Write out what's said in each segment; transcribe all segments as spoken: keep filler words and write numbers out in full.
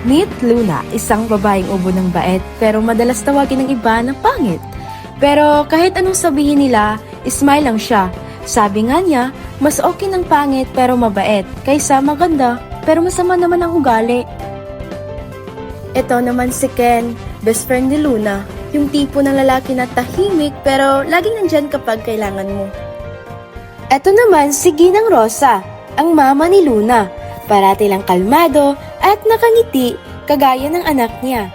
Meet Luna, isang babaeng ubo ng bait pero madalas tawagin ng iba na pangit. Pero kahit anong sabihin nila, smile lang siya. Sabi nga niya, mas okay ng pangit pero mabait kaysa maganda pero masama naman ang ugali. Ito naman si Ken, best friend ni Luna, yung tipo ng lalaki na tahimik pero laging nandyan kapag kailangan mo. Ito naman si Ginang Rosa, ang mama ni Luna, parati lang kalmado at nakangiti kagaya ng anak niya.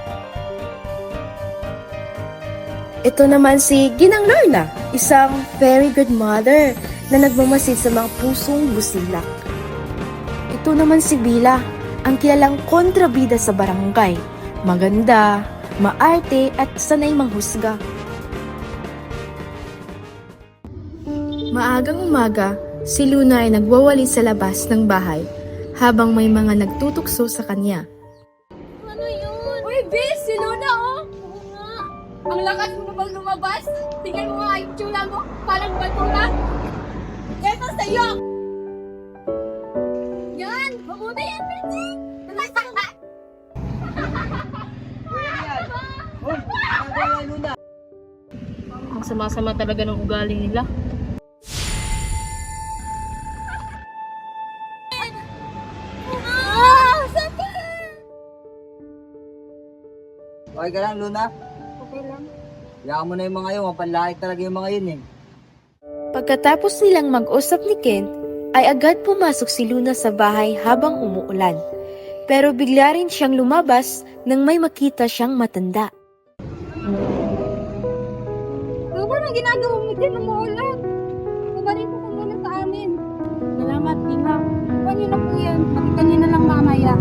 Ito naman si Ginang Lorna, isang very good mother na nagmamasid sa mga pusong busilak. Ito naman si Bila, ang kilalang kontrabida sa barangay. Maganda, maarte at sanay manghusga. Maagang umaga, si Luna ay nagwawali sa labas ng bahay habang may mga nagtutukso sa kanya. Ano yun? Uy, Bes! Si Luna, oh! Oo nga. Ang lakas mo na bang lumabas? Tingnan mo nga yung tsula mo. Parang bato na. Eto sa'yo! Yan! Mabuti yan, Benji! Ang sama-sama talaga ng ugali nila. Ah! Sakit! Okay ka lang, Luna? Okay lang. Hayaan mo na yung mga yun. Mapanlait talaga yung mga yun eh. Pagkatapos nilang mag-usap ni Kent, ay agad pumasok si Luna sa bahay habang umuulan. Pero bigla rin siyang lumabas nang may makita siyang matanda. Ano ba nang ginagawa mo din ng maulan? Kubarin ko kung muna sa amin. Salamat, Tina. Kuha niyo na po yan. Pakita niyo na lang mamaya.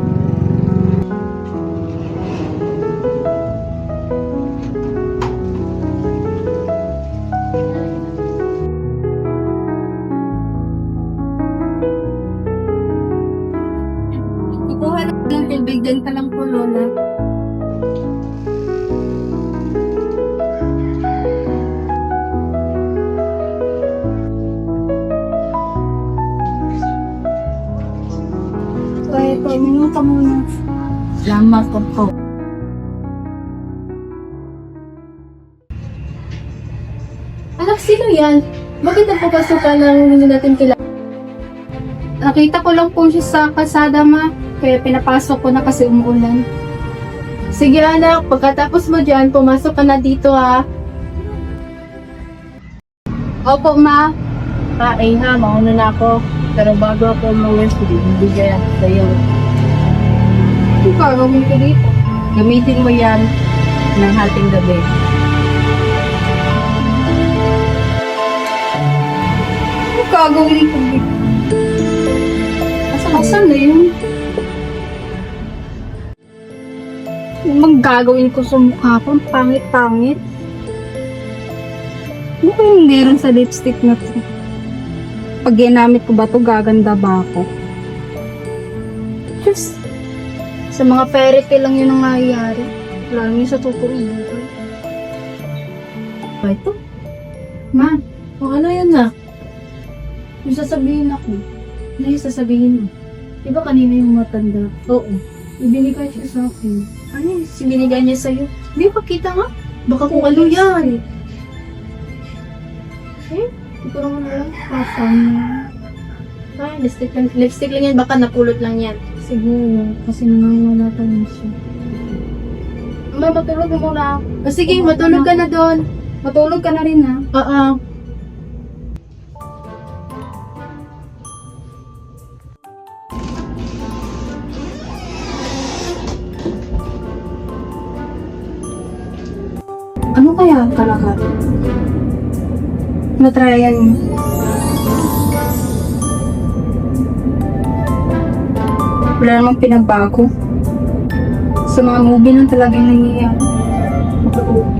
Kukuha lang ng tubig din ka lang po, Lola. Kaya po, minum ka muna. Salamat po po. Anak, sino yan? Bakit napapasukan ng hindi natin kilala? Nakita ko lang po siya sa kalsada, ma. Kaya pinapasok ko na kasi umuulan. Sige anak, pagkatapos mo dyan, pumasok ka na dito ha. Opo, ma. Ah, eh ha, mauna na ako. Pero bago ako umalis, bibigay ako sa'yo. Ano ka gawin ko dito? Gamitin mo yan ng hating gabi. Ano ka gawin ko dito? Asan, asan na yun? Ano bang gagawin ko sa mukha ko? Ang pangit-pangit. Ano kayong meron sa lipstick na to? Pag ginamit ko ba to, gaganda ba ako? Just, sa mga fairy tale lang yun ang nangyayari. Lalo yun sa totoong buhay. Ba ito? Ma, O ano yan na? yung sasabihin ako. Ano yung sasabihin mo? Di ba kanina yung matanda? Oo. Ibinigay siya sa akin. Ano yung sinigay niya sa'yo? Di ba kita nga? Baka kung ano yan. Eh, hindi ko naman alam. Pasan na. Ay, lipstick lang, lipstick lang yan. Baka napulot lang yan. Siguro, kasi nangangalatan niya siya. Ma, matulog mo muna. O sige, matulog ka na doon. Matulog ka na rin ha. Oo. Ano kaya ang kalakal? Natryan mo. Wala namang pinagbago. Sa mga movie lang talagang nangyayari. Matulog.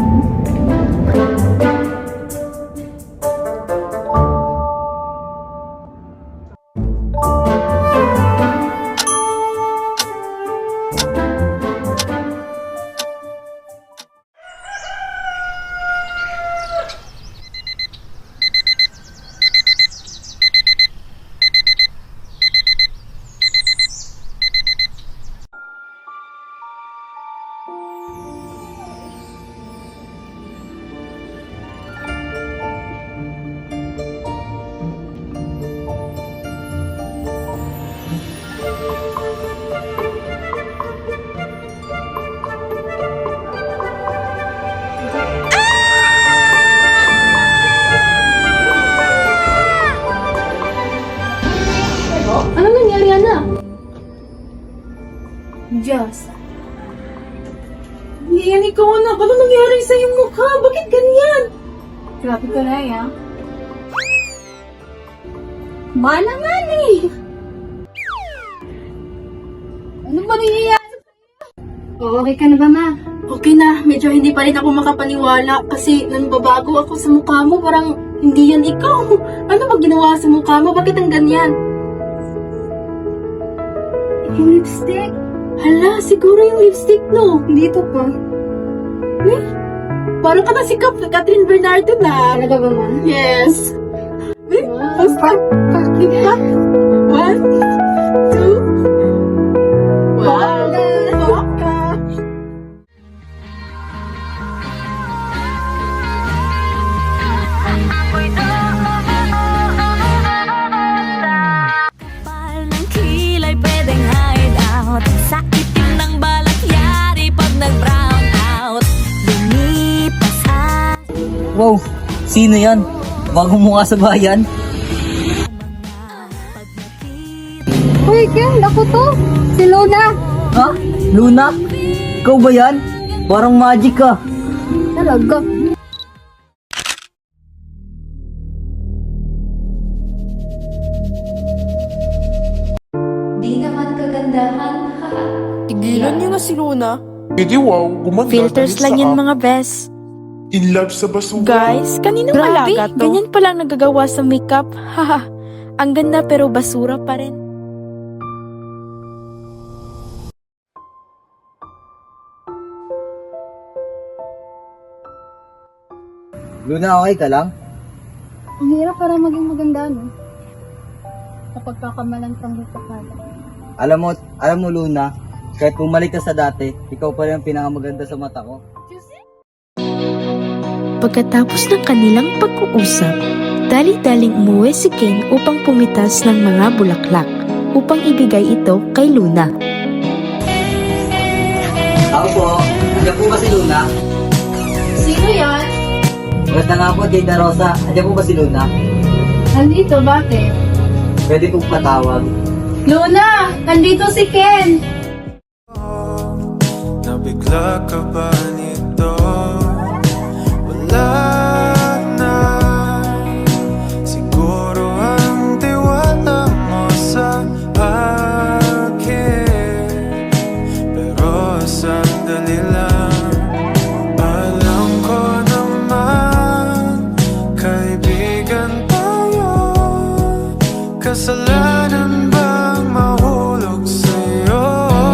Diyos. Yan, ikaw anak. Ano nangyari sa iyong mukha? Bakit ganyan? Grabe ka na ya. Mana nga ni. Ano ba nangyayari? O, okay ka na ba, ma? Okay na, medyo hindi pa rin ako makapaniwala kasi nanbabago ako sa mukha mo. Parang hindi yan ikaw. Ano ba ginawa sa mukha mo? Bakit ang ganyan? Yung lipstick. Hala, siguro yung lipstick, no? Dito pa. Eh, parang ka na si Cap- Catherine Bernardo na. Talaga ba, ma? Yes. Eh, Wow. basta. Kita. One, two. Wow. Baka. Kapal ng kilay pwedeng hide out. Sa itim ng balak yari pag nag-brown out. Lumipas ang Wow, sino yan? Bago mukha sa bayan? pag nakita. Uy, Ken, ako to. Si Luna. Ha? Luna? Ikaw ba yan? Parang magic ka. Talaga. Di naman kagandahan. Tigilan niyo na si Luna. Hindi wow, gumanda Filters dahil lang sa yan app. mga best. In love sa basura. Guys, kaninong Grabe, alaga to? Ganyan palang nagagawa sa makeup. Haha. Ang ganda pero basura pa rin. Luna, okay ka lang? Ang hirap para maging maganda, no? Kapag kakamalan kang hupakala. Alam mo, alam mo Luna, kahit bumalik ka sa dati, ikaw pa rin ang pinakamaganda sa mata ko. Pagkatapos ng kanilang pag-uusap, dali-daling umuwi si Ken upang pumitas ng mga bulaklak upang ibigay ito kay Luna. Ako po, andiyan po ba si Luna? Sino yan? Maganda nga po, Tita Rosa. Andiyan po ba si Luna? Nandito, bakit? Pwede pong patawag. Luna! Nandito si Ken! Nabigla ka ba nito? Wala na. Siguro ang tiwala mo sa akin. Pero sandali lang. Alam ko naman, kaibigan tayo. Kasalanan bang mahulog sa'yo?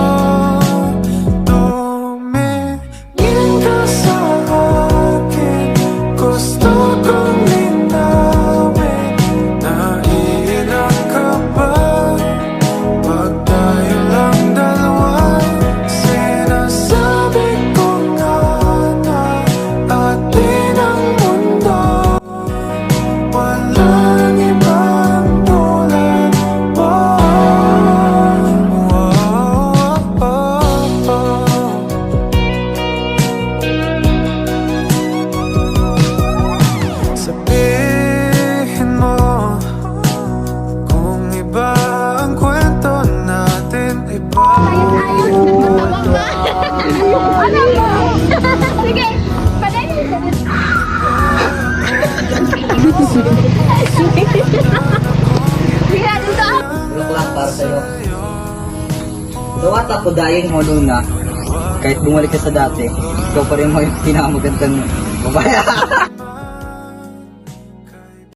Tumingin ka sa akin, gusto kong linawin. Naiilang ka ba pag tayo lang dalawa? Sinasabi ko nga na atin ang mundo. Walang ibang tulad mo. Sabihin mo kung iba ang kwento natin, iba. Sige! Palayin! Bulaklak para sa'yo. Tawat ako dahil mo Luna. Kahit bumalik ka sa dati, ikaw pa rin ang pinakamagandang babae.